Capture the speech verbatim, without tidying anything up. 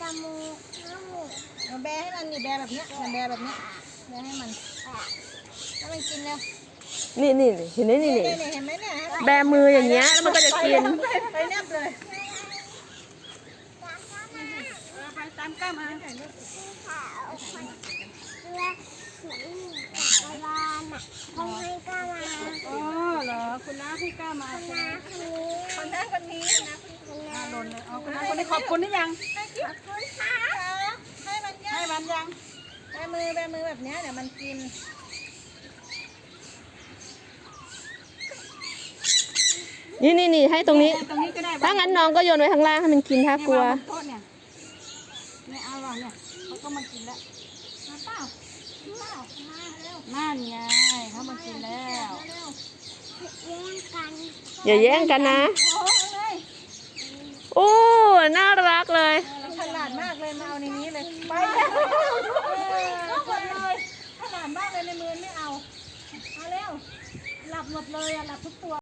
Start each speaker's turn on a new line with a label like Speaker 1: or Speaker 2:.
Speaker 1: มูน้ำมู
Speaker 2: แบให้มันนี่แบแบบนี้แบแบบนี้แบให้มันแล้วมันกินแล้ว
Speaker 3: นี่นี่เห็นไหมนี่นี่
Speaker 2: เห็นไหมเนี่ย
Speaker 3: แบมืออย่างเงี้ยแล้วมันก็จะกิน
Speaker 2: ไปแนบเลย
Speaker 1: ไปตามก้ามาขาวเสื้อสีจักรวาลน่ะเขาให้ก้ามา
Speaker 2: อ๋อเหรอคุณน้าให้ก้ามา
Speaker 1: คนน้าคนนี้
Speaker 2: คนน้าคนนี้นะคนน้าหล่นเลยเอาคุณน้าคนนี้ขอบคุณนี่ยัง
Speaker 1: ขอบคุณค่ะ
Speaker 2: ให้มันยังให้มันยังแบมือแบมือแบบนี้เดี๋ยวมันกิน
Speaker 3: นี่นี่นี่ให้ตรงนี้ถ้างั้นน้องก็โยนไว้ข้างล่างให้มันกินถ้ากลัว
Speaker 2: เนี่ยเนี่ยเอาหรอเนี่ยเขาก็มากินแล้วมาเปล่าเปล่ามาเร็วนั่นไงเขามากินแล้ว
Speaker 1: แย่งกัน
Speaker 3: อย่าแย่งกันนะโอ้น่ารักเลย
Speaker 2: ฉลาดมากเลยมาเอาในนี้เลยไปแล้วหมดเลยฉลาดมากเลยในมือไม่เอาเอาเร็วหลับหมดเลยอ่ะหลับทุกตัว